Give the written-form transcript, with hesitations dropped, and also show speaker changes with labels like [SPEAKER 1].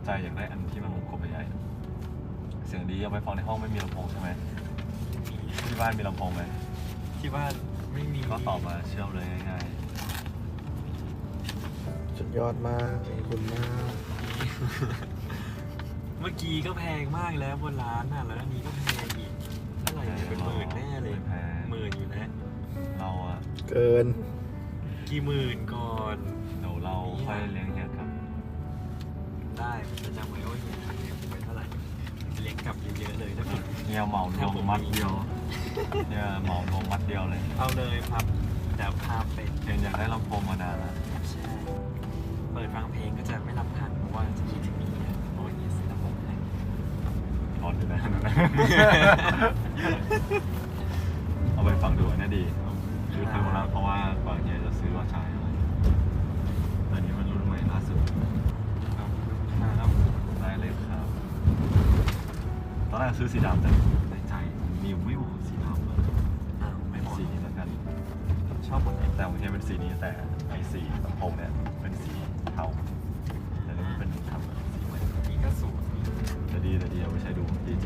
[SPEAKER 1] ใจอยากได้อันที่มันวงกลมใหญ่ๆเสียงดีเอาไปฟังในห้องไม่มีลำโพงใช่ไหมที่บ้านมีลำโพงไหม
[SPEAKER 2] ที่บ้านไม่มี
[SPEAKER 1] ก็ตอบมาเชื่อมเลยง่าย
[SPEAKER 3] สุดยอดมากขอบคุณมาก
[SPEAKER 2] เมื่อกี้ก็แพงมากแล้วบนร้านน่ะแล้วอันนี้ก็แพงอีกเท่าไหร่เนี่ยเป็นหมื่นแน่เลย
[SPEAKER 1] แพง
[SPEAKER 2] หมื่นอยู่นะ
[SPEAKER 1] เราอะ
[SPEAKER 3] เกิน
[SPEAKER 2] กี่หมื่นก่อน
[SPEAKER 1] เดี๋ยวเราค่อยเลี้ยงเฮียครับ
[SPEAKER 2] ได้จะจำไว้ว่าเฮียเลี้ยงไปเท่าไหร่เลี้ยงกลับเยอะๆเลยถ้าผม
[SPEAKER 1] เฮียเหมารวมมัดเดียวเฮียเหมารวมมัดเดียวเลย
[SPEAKER 2] เอาเลยครับแต่พาเป็น
[SPEAKER 1] เฮียอยากได้ลำโพงมานานแล้ว
[SPEAKER 2] ใช่เปิดฟังเพลงก็จะไม่รับทันเพราะว่าจะคิดถึงเฮียเพราะว่าเฮียซื้อลำโพงให้
[SPEAKER 1] ร้อนอยู่นะ เอาไปฟังดูอันนี้ดีคือทางเราเพราะว่าก่อนเฮียจะซื้อว่าใช้อะไรอันนี้มันรุ่นใหม่ล่าสุด
[SPEAKER 2] ครับ
[SPEAKER 1] ได้เลยครับตอนแรกซื้อสีดำแต่ในใจมีไม่เหมาะสีดำเลย
[SPEAKER 2] อ้าวไม่หมด
[SPEAKER 1] สีนี้แล้วกัน
[SPEAKER 2] ชอบหมดเลย
[SPEAKER 1] แต่ของเฮียเป็นสีนี้แต่ไอสีลำโพงเนี่ยเป็นสีเทาแต่นี่มันเป็นทำแบบสีใหม่
[SPEAKER 2] นี่ก็สวย
[SPEAKER 1] แต่ดีเอาไปใช้ดูจริง